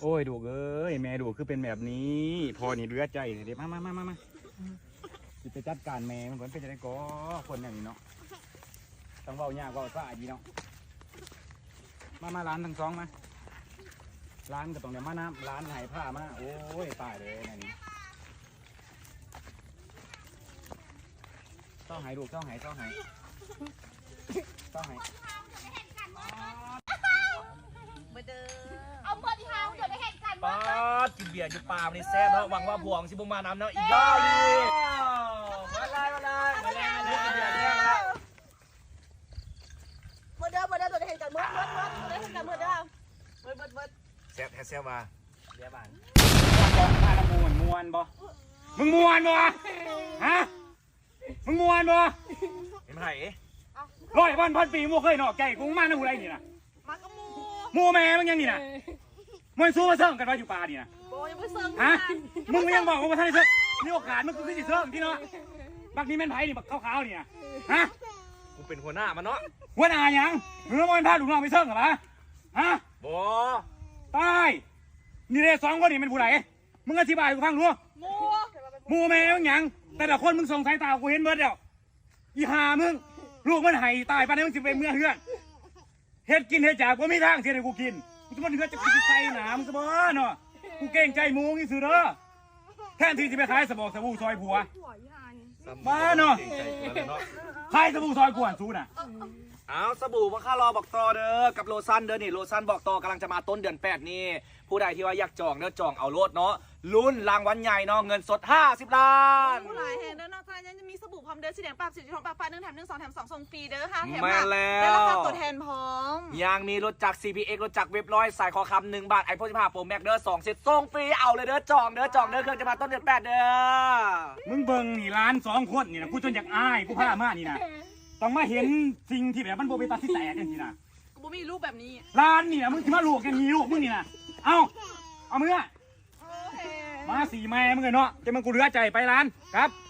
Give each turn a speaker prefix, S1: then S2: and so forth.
S1: อ้ยดูเอ้ยแม่ดูคือเป็นแบบนี้พอนี่เลือดใจเดี๋ยวมาจะไปจัดการแม่มันก่อนเป็นจะได้ก็คนอย่างนี้เนาะต้องเบายากเบาซ่าดีเนาะมาร้านทั้งสองมาร้านก็ต้องเดี๋ยวมาน้ำร้านหายผ้ามาโอ้ยตายเลยนี่ต้องหายดูต้องหายป้ากินเบียร์อยู่ป่าในแซ่บเนาะหวังว่าพวงสิบุมาน้ำเนาะอีกแล้วดิมาเลยกินเบียร์แซ่บแล้ว
S2: เมื่อเดิมตัวได้เห็นกันเมื่อ
S1: แซ่บมาเบียร์บานมาละมวนบ่มึงมวนบ่ฮะมึงมวนบ่เห็นไหม100,000 ปีมูเคยเนาะแก่กูมาหนูไรนี่นะ
S2: มากระ
S1: มูแม่มึงยังนี่นะมันสู้มาเซิร์งกันไว้อยู่ป่านี่นะ
S2: โอ้ยังไม่เซิร์ง
S1: ฮะมึงยังบอกว่าท่านได้เซิร์งนี่โอกาสมึงคือสิเซิร์งที่เนาะบักนี้แม่นไผ่นี่บักขาวๆนี่นะฮะ
S3: กูเป็นหัวหน้ามันเนาะ
S1: หัวหน้ายังมึงต้องมาพาลูกน้องไปเซิร์งเหรอฮะ
S3: บ่
S1: ตายนี่เลย2 คนนี่เป็นผู้ใดมึงอธิบายกูฟังรู้มูแม่มึงยังแต่ละคนมึงส่งสายตากูเห็นเบิดแล้วอีห่ามึงลูกมันไห้ตายไปนี่มึงสิไปเมื่อเฮือนเฮ็ดกินเฮ็ดจากกูไม่ทางเสียให้กูกินกูจะมาเฮือนจะกินใส่หนามซะบ่เนาะกูเก่งใจมูนี่ซื่อเด้อแทนที่จะไปขายสบู่ซอยผัวมาเนาะขายสบู่ซอยกวนซูน่ะ
S3: เอาสบู่ว่าข้ารอบอกต่อเด้อกับโลซันเด้อนี่โลซันบอกต่อกำลังจะมาต้นเดือน8นี่ผู้ใดที่ว่าอยากจองเด้อจองเอาโลดเนาะลุ้นรางวัลใหญ่เนาะเงินสด50 ล้าน
S2: ผู้หลายแห่งเด้อนอกจากนั้นจะมีสบู่พร้อมเด้อสีแดงปากสีทองปากฟ้า1 แถม 1 2 แถม 2ส่งฟรีเด้อค่ะแถม
S3: มาแล้ว
S2: ราคาตัวแทนพร้อม
S3: ยังมีรถจักร CPX รถจักรเว็บ100สายคอคำ1 บาทไอโฟน15 Pro Max เด้อ2 เซตส่งฟรีเอาเลยเด้อจองเด้อเครื่องจะมาต้นเดือน8เด้อ
S1: มึงเบิ่งนี่ร้าน2 คนนี่นะกูจนอยากอายกูพามานี่นะต้องมาเห็นสิ่งที่แบบมันโบเบตาที่แตกกันทีนะ
S2: กูบ่มีรูปแบบนี้
S1: ร้านนี่นะมึงที่มาลูกกันมีลูกมึงนี่นะเอามือมา4 แม่มึงเนาะจะมึงกูเหลือใจไปร้านครับ